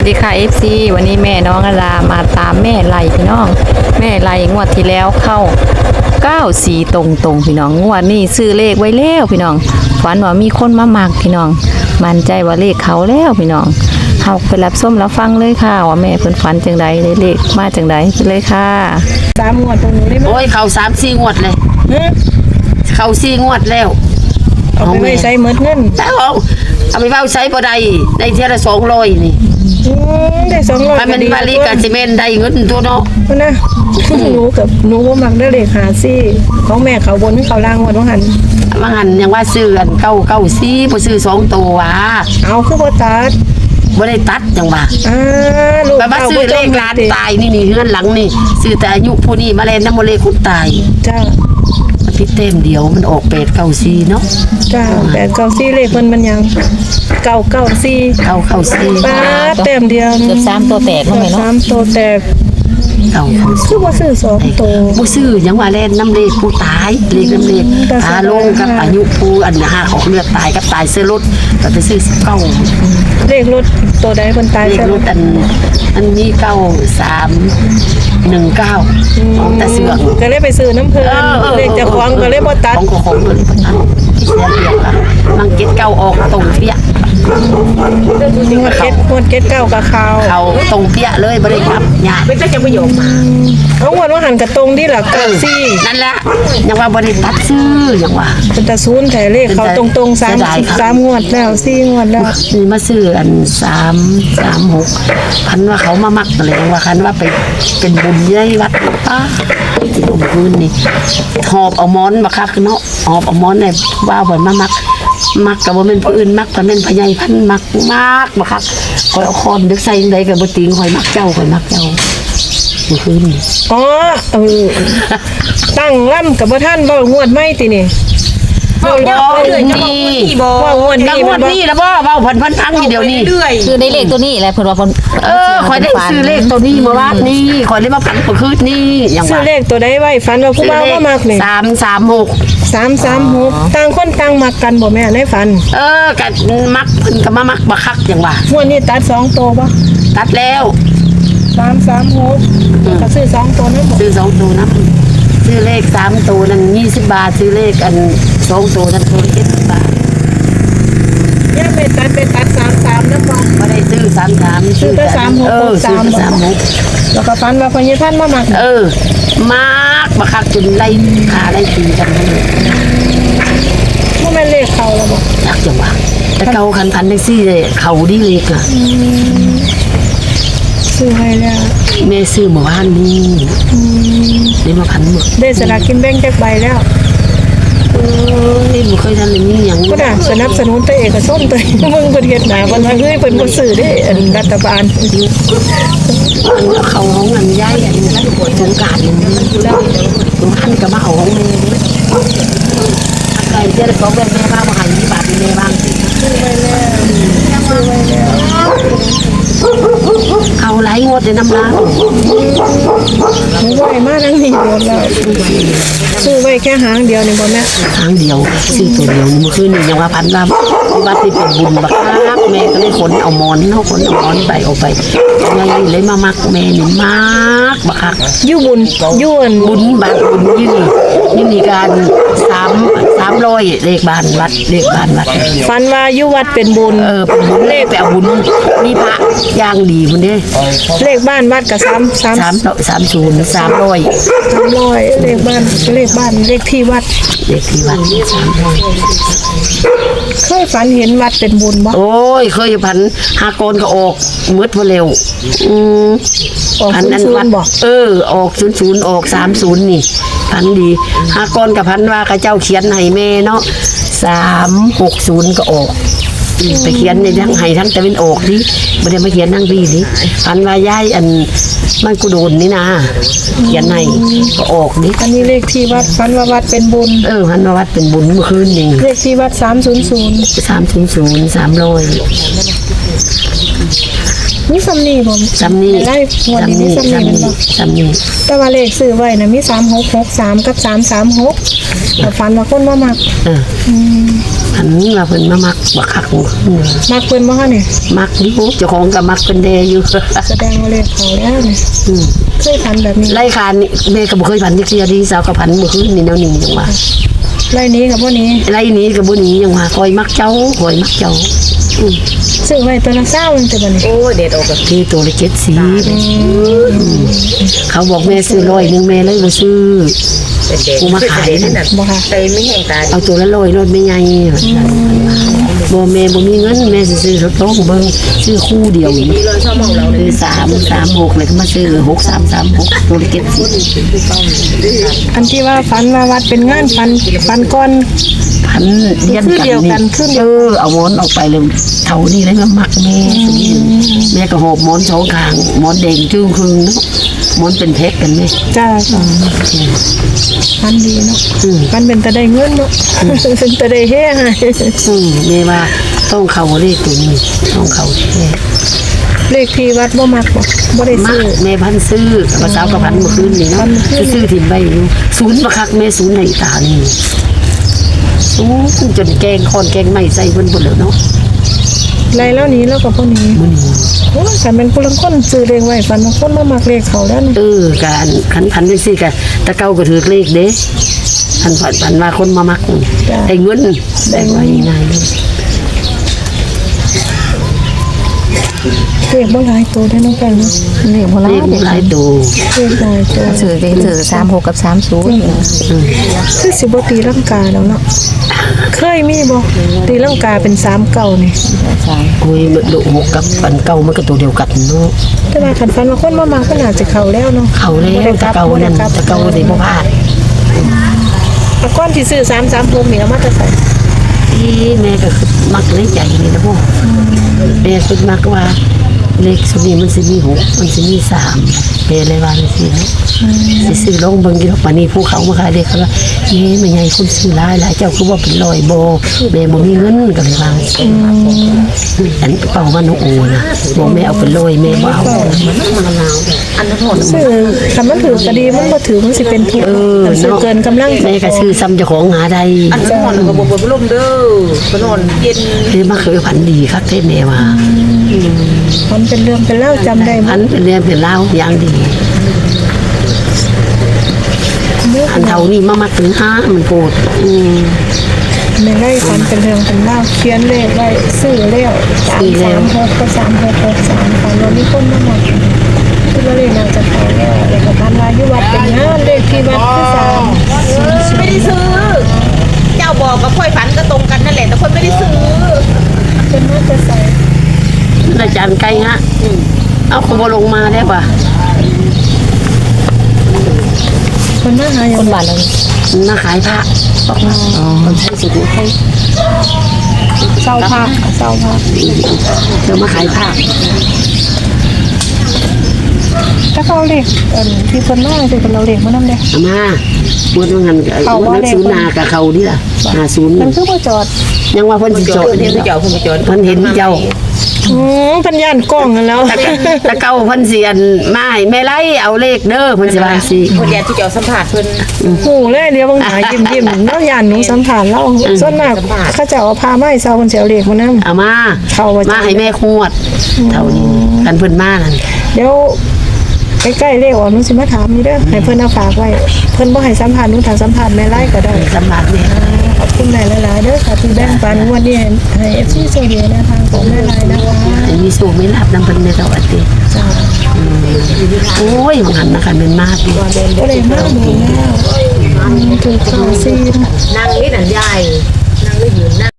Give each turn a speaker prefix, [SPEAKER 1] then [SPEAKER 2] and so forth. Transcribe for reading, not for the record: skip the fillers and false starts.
[SPEAKER 1] ดีค่ะ FC วันนี้แม่น้องอลามาตามแม่ไล่พี่น้องแม่ไล่งวดที่แล้วเข้า94ตรงพี่น้องงวดนี้ซื้อเลขไว้แล้วพี่น้องฝันว่ามีคนมามักพี่น้องมั่นใจว่าเลขเขาแล้วพี่น้องเฮาไปรับส้มรับฟังเลยค่ะว่าแม่เพิ่นฝันจังใดได้เลขมาจังใดไปเลยค่ะ
[SPEAKER 2] 3 งวดตรงนี้ได้ไหม
[SPEAKER 3] โอ้ยเขา3-4 งวดเลยเขา4 งวดแล้ว
[SPEAKER 2] เอาไปใช้เมิดเงิน
[SPEAKER 3] เอาไปเฝ้าใช้บ่ได้ได้เท่าละ200นี่
[SPEAKER 2] ได้200
[SPEAKER 3] ถ้ามันมาลีกับซีเมนต์ได้เงินตัวเนาะ
[SPEAKER 2] นะหนูบ่มักได้เลข54ของแม่เขาบนเขาล่างว่าต้องหัน
[SPEAKER 3] ว่าหันยังว่าซื้อกัน994บ่ซื้อ2ตัวว่ะ
[SPEAKER 2] เอาคือบ่ตัด
[SPEAKER 3] บ่ได้ตัดจังว่า
[SPEAKER 2] ลูก
[SPEAKER 3] มาซื้อเลขร้านตายนี่เฮือนหลังนี่ซื้อแต่อายุผู้นี้มาเล่นน้ำบ่เลขคนตาย
[SPEAKER 2] จ้า
[SPEAKER 3] มันพิเต็มเดียวมันออก894เนาะ
[SPEAKER 2] จ้า894เลขมันยัง994ป้าเต็มเดียว
[SPEAKER 1] เกือบ3ตัวแตกเนาะแม่เนาะ
[SPEAKER 2] 3ตัวแตกคือว่าซื้อ2ตัว
[SPEAKER 3] บ่ซื้อยังว่าเล่นน้ำเลขผู้ตายเลขน้ำเลขตาลงกับอายุผู้อัน5ออกเลือดตายกับตายซื้อรถก็ไปซื้อ9
[SPEAKER 2] เลขรถตัวใดคนตาย
[SPEAKER 3] เลขรถอันนี้9319แต่เสือก
[SPEAKER 2] ก็เลยไปซื้อน้ำเพิ่นเลขจะคล้องก็เลยบ่ตัด
[SPEAKER 3] ของก็เลยบ่ตัดที่เสียเปรียบล่ะมันเก็ตเก่าออกตรงเปี้ย
[SPEAKER 2] งวดเก็ต9กับ
[SPEAKER 3] เขาตรงเปี้ยเลยบ่ได้ครับยาก
[SPEAKER 2] เป็นจะประโยชน์มาเอางวดว่าหันกระตรงที่ล่ะ94
[SPEAKER 3] นั่นแหละยังว่าบ่ได้ตัดซื้อยังว่า
[SPEAKER 2] เป็นตาศูนย์แท้เลขเขาตรงๆ3งวดแล้ว4งวดแล้ว
[SPEAKER 3] นี่มาซื้ออัน336พันว่าเขามามักอะไรว่าคันว่าไปเป็นบุญใหญ่วัดป้าที่ผมคืนนี่หอบเอาม้อนมาคักเนาะหอบเอาม้อนเนี่ยว่าบ่มามักกับว่าเป็นผู้อื่นมักแต่เป็นพญายพันมักมาคักคอยเอาคอนดึกใส่ใดกับบ่ติงคอยมักเจ้าเมื่อคืน
[SPEAKER 2] อ๋อตั้งล่ำกับบ่ท่านบ่งวดไม่ตินี่
[SPEAKER 3] บ่ว่างวดนี้แล้วบ่เว้าพันทั้งอยู่เดี๋ยวนี้
[SPEAKER 1] คือได้เลขตัวนี้แหละเพิ่นว่าเพิ่น
[SPEAKER 3] คอยได้ซื้อเลขตัวนี้เมื่อวานนี้คอยได้มาฝันเมื่อคืนนี้อย่างว่า
[SPEAKER 2] ซื้อเลขตัวใดไว้ฝันว่าผู้บ่าวบ่มักนี่336ต่างคนต่างมักกันบ่แม่ในฝัน
[SPEAKER 3] กันมักเพิ่นก็มามักบักคักอย่างว่าง
[SPEAKER 2] วดนี้ตัด2ตัวบ่
[SPEAKER 3] ตัดแล้ว
[SPEAKER 2] 336ก็ซื้อ2ตัวนั้นบ่
[SPEAKER 3] ซื้อ2ตัวนั้นซื้อเลข3ตัวนั้น20 บาทซื้อเลขอัน2ตัวนั้น70 บาท
[SPEAKER 2] ย่าไปตัด33นำบ่
[SPEAKER 3] ได้ซื้อ33
[SPEAKER 2] ซื้อแต่36
[SPEAKER 3] ซื้อ36
[SPEAKER 2] แล้วก็ฝันว่าพญาท่านมามัก
[SPEAKER 3] มักบักคักจนไล่ขาไล่ตีกัน
[SPEAKER 2] บ่แม่นเลขเขาแล้วบ่
[SPEAKER 3] จักจังว่าแต่เก่าคันจังซี่เลยเขาดีเลขน่ะ
[SPEAKER 2] ซื้อให้แล้ว
[SPEAKER 3] แม่ซื้อเมื่อวานนี้ได้มาพันหมด
[SPEAKER 2] ได้สลากกินแบ่งจักใบแล้ว
[SPEAKER 3] นี่บ่เคยทันเลยมีหยัง
[SPEAKER 2] ก็น่ะสนับสนุนตัวเอกชนตัวมึงเพิ่นเฮ็ดหน้าเพิ่นว่าเฮ้ยเพิ่นบ่ซื้อเด้รัฐบาล
[SPEAKER 3] เขาของเงินย้ายอันนี้สงกรานต์นี่สงกรานต์ก็มาเอาของแม่ไก่เจ้าของแม่บ้างบ่ให้มีบาทแม่บ้าง
[SPEAKER 2] ซื้อไว้แล้ว
[SPEAKER 3] เขาหลายงวดในน้ำร้าน
[SPEAKER 2] ไหวมากนั่งนี่หมดแล้วซื้อไว้แค่หางเดียวนี่บ่แม่
[SPEAKER 3] หางเดียวซื้อตัวเดียวเมื่อคืนนี่ยังว่าพันลำวัดที่เป็นบุญบักคักแม่ก็เลยขนเอาหมอนไปเอาไปไงเลยมามักแม่นี่มากบักคัก
[SPEAKER 2] อยู่บุญ
[SPEAKER 3] บุญบาทบุญนี่การ300เลขบ้านวัด
[SPEAKER 2] ฝันว่าอยู่วัดเป็นบุญ
[SPEAKER 3] เป็นบุญเลขแต่บุญมีพระย่างดีพุ่นเด้
[SPEAKER 2] เลขบ้านวัดก็
[SPEAKER 3] 330 300
[SPEAKER 2] เลขบ้านเลขที่วัด300เคยฝันเห็นวัดเป็นบุญบ่
[SPEAKER 3] โอ้ยเคยฝันหากนก็ออกมืดบ่เร็ว
[SPEAKER 2] พันนั้นวัดบ่
[SPEAKER 3] ออก00ออก30นี่พันดีหากนกับพันว่าเขาเจ้าเขียนให้แม่เนาะ360ก็ออกไปเขียนในทั้งไห้ทั้งตะวันออกนี่ไม่ได้มาเขียนทั้งปีนี่พันว่าย้ายอันมันกูโดนนี่นะเขียนให้ก็ออกนี่
[SPEAKER 2] อันนี้เลขที่วัดพันว่าวัดเป็นบุญ
[SPEAKER 3] พันว่าวัดเป็นบุญเมื่อคืนนี่
[SPEAKER 2] เลขที่วัด300 มีซ้ำนี่บ่
[SPEAKER 3] ซ้ำนี่
[SPEAKER 2] ไล่งวดนี้มีซ้ำนี่แม่นบ่
[SPEAKER 3] ซ้ำนี่
[SPEAKER 2] แต่ว่าเลขซื้อไว้น่ะมี3663กับ336แต่ฝันว่าคนมามัก
[SPEAKER 3] อันนี้ว่าเพิ่นมามักบักคักขึ้น
[SPEAKER 2] มักเพิ่นบ่คะนี่
[SPEAKER 3] มักอยู่เจ้าของก็มักเป็นแดอยู่
[SPEAKER 2] แสดงว่าเลขเขาแล้วนี่เคยฝันแบบนี้
[SPEAKER 3] ไล่คานนี่แม่ก็บ่เคยพันที่เสียดีสาวก็พันเมื่อคืนนี่แนวนี้จังว่า
[SPEAKER 2] ไล่นี้กับบ่นี้
[SPEAKER 3] ไล่นี้ก็บ่หนีจังว่าคอยมักเจ้าคอยมักเจ้า
[SPEAKER 2] ซื้อไว้ตัวละ20นึงแต่บัดนี้
[SPEAKER 1] โอ้เด็ดออกแบบ
[SPEAKER 3] ที่ตัวละ70เขาบอกแม่ซื้อ100นึงแม่เลยบ่ซื้อกูมาขายนั่น
[SPEAKER 2] บ่ค่ะ
[SPEAKER 1] ไปไม่แห้งตา
[SPEAKER 3] เอาตัวละ100รถไม่ใหญ่บ่แม่บ่มีเงินแม่สิซื้อรถโต๊ะเบิ่งซื้อคู่เดียว
[SPEAKER 1] ดีเลยชอบมองเราเลย
[SPEAKER 3] คือ336เลยก็มาซื้อ6336ตัวละ70
[SPEAKER 2] อันที่ว่าฝันว่าวัดเป็นงานฝันก่อน
[SPEAKER 3] พันเรียน
[SPEAKER 2] คือเดียวกันคือเดียว
[SPEAKER 3] เอาหมอนออกไปเลยเท่านี้เลยมามักแม่แม่ก็หอบหมอนสองข้างหมอนแดงจึ้งครึ่งเนาะหมอนเป็นเพชรกันแม่
[SPEAKER 2] จ้าฝันดีเนาะฝันเป็นตะได้เงินเนาะเป็นตะได้เฮ้ให้
[SPEAKER 3] แม่ว่าต้องเข้าเลขตัวนี้ต้องเข้าแท้
[SPEAKER 2] เลขที่วัดบ่มักบ่ได้
[SPEAKER 3] มั
[SPEAKER 2] ซื้
[SPEAKER 3] ก
[SPEAKER 2] อ
[SPEAKER 3] แม่พันซื้อภาษากับพันเมื่อคืนนี่เนาะซื้อถิ่นใบอยู่ศูนย์ประคักแม่ศูนย์ในตานี่ศูนย์จนแกงคอนแกงไม่ใส่เพิ่นหมดแล้วเนาะ
[SPEAKER 2] ไรแล้วนี้แล้วก็บ่นี้
[SPEAKER 3] มื้อนี้
[SPEAKER 2] โอ้ยคันเป็นผู้ลังคนซื้อเลขไว้ฝันว่าคนมามักเลขเขาแล้วนี่
[SPEAKER 3] การขันพันจังซี่ก็ตะเก้าก็ถือเลขเด้พันพันว่าคนมามักได้เงินได้ไว้ง่ายเลย
[SPEAKER 2] เลขบ่หลายตัวได้อน้องกันเนาะ
[SPEAKER 1] เลขโบรา
[SPEAKER 3] เล
[SPEAKER 1] ณ
[SPEAKER 3] ขหลายตัว
[SPEAKER 2] เลขหลายตัว
[SPEAKER 1] สื่อ36กับ30
[SPEAKER 2] คือสิบ่ตีลังกาแล้วเนาะเคยมีบ่ตีลังกาเป็น39นี่
[SPEAKER 3] โอ้ยมันดุหกกับปันเก่ามันก็ตัวเดียวกันเนาะ
[SPEAKER 2] แต่ว่าคันฝันว่าคนมามักก็น่าจะเข้าแล้วเนาะ
[SPEAKER 3] เขาแล้วตะเก่านั่นตะเก่าได้บ่พลาด
[SPEAKER 2] แต่ก่อนที่ซื้อ336นี่เอามาแต่ใส่
[SPEAKER 3] ที่แม่ก็คือมักในใจนี่นะพ่อแม่คิดมักว่าเลขสุดนี้มันสิมี6มันสิมี3แม่เลยว่าจังซี่เนาะสิซื้อลงเบิ่งอยู่ป่านนี้ผู้เขามาขายเลขเขาว่าเอ๊ะแม่ใหญ่คนซื้อหลายเจ้าคือว่าเป็น100บ่แม่บ่มีเงินก็เลยว่าอันเป่ามันโอ้นะบ่แม่เอาเป็น100แม่บ่เอามันหนาว
[SPEAKER 1] อันนั้นหมด
[SPEAKER 2] ซื้อคันมันถือก็ดีมันบ่ถือมันสิเป็นทุกข์คันซื้อเกินกำลัง
[SPEAKER 3] แม่ก็ซื้อซ้ำเจ้าของหาได้
[SPEAKER 1] อันนั้นหมดก็บ่ลมเด้อบ่นอนเย็น
[SPEAKER 3] คือมาเคยพันดีครับเทแม่ว่า
[SPEAKER 2] มันเป็นเรื่องเป็นเล่าจำได้
[SPEAKER 3] พันเป็นเรื่องเป็นเล่าวอย่างดีอันเท่านี้มามักถึง5มันโกรธ
[SPEAKER 2] ในไร่ฝันเป็นเรื่องเป็นเล่าเขียนเลขไว้ซื้อแล้ว336ก็3663ฝันว่ามีคนมาบอกคือว่าเลขน่าจะเข้าแล้วก็พันว่าอยู่วัดเป็นงานเลขที่วัดคือ3
[SPEAKER 1] ไม่ได้ซื้อ เจ้าบอกกับค่อยฝันก็ตรงกันนั่นแหละแต่คนไม่ได้ซื้อ
[SPEAKER 2] เป็นมาจะใส่
[SPEAKER 3] อาจารย์ไก่ฮะเอาขบลงมาได้ป่ะ
[SPEAKER 2] คนมาหาอย่าง
[SPEAKER 1] คนบ้านเรา
[SPEAKER 3] มาขายผ้าคนใช้สุดให้
[SPEAKER 2] เศร้าภาคเศร้าภาค
[SPEAKER 3] เธอมาขายผ้า
[SPEAKER 2] ถ้าเขาเลขที่คนมาคือคนเราเลขมานำเด้
[SPEAKER 3] เอามาบวชว่างันกับนักศูนย์นากับเขาดิล่ะ50
[SPEAKER 2] มันคือบ่จอด
[SPEAKER 3] ยังว่าเพิ่นสิจอด
[SPEAKER 1] เห็นเจ้าคุณไปจอด
[SPEAKER 3] เพิ่นเห็นเจ้า
[SPEAKER 2] พันยานกล้องกันแล้ว
[SPEAKER 3] ตะเก้าเพิ่นสิอันมาให้แม่ไล่เอาเลขเด้อเพิ่นสิว่าสิ
[SPEAKER 1] คนแย่ที่เจ้าสัมผัสเพิ่น
[SPEAKER 2] หูเลยเดี๋ยวบางหายิ้มๆเนาะยานหนูสัมผัสเราส่วนมากเขาจะเอาพาไม้เซาคนเสียวเลขมานำ
[SPEAKER 3] เอามา
[SPEAKER 2] เข้าว่าจะ
[SPEAKER 3] มาให้แม่ขวดเท่านี้กันเพิ่นมานั่น
[SPEAKER 2] เดี๋ยวใกล้ๆเลขออกหนูสิมาถามนี่เด้อให้เพิ่นเอาฝากไว้เพิ่นบ่ให้สัมผัสหนูถามสัมผัสแม่ไล่ก็ได้
[SPEAKER 3] สำหรับแม่
[SPEAKER 2] ขอบคุณหลายๆเด้อค่ะที่แบ่งปันวันนี้ให้ FC โซเดียนะทางของแม่ไล่นะคะ
[SPEAKER 3] ให้มีสูงไม่รับนำเพิ่นในสวัสดี
[SPEAKER 2] จ้า
[SPEAKER 3] โอ้ยมันหันนะคะเป็นมากดี
[SPEAKER 2] บ่ได้มาหมู่แล้วถือข่าวซีน
[SPEAKER 1] นั่งนี่นั่นยายนั่งได้ยืนนั่ง